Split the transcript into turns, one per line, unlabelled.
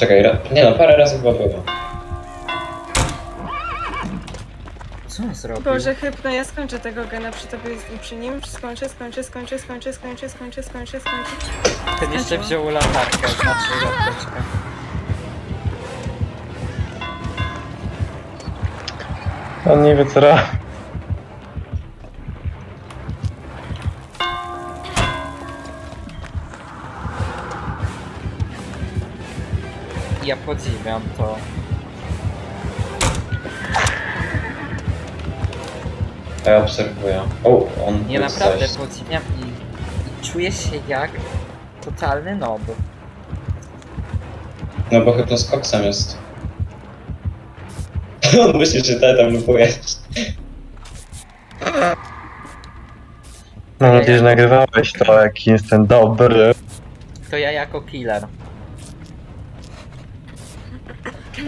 Czekaj, nie no, parę razy chyba było.
Co on zrobił?
Boże, Hypno, ja skończę tego gena przy tobie, przy nim. Skończę.
Ten jeszcze wziął latarkę, znaczy latarkę.
On nie wie co robi.
Ja podziwiam to.
A ja obserwuję. O, on
Nie
tu
naprawdę
coś.
podziwiam i czuję się jak totalny nob.
No bo chyba z koksem jest. On myśli, że ty tam lupujesz.
Mam nadzieję, że nagrywałeś to, jaki jestem dobry.
To ja jako killer.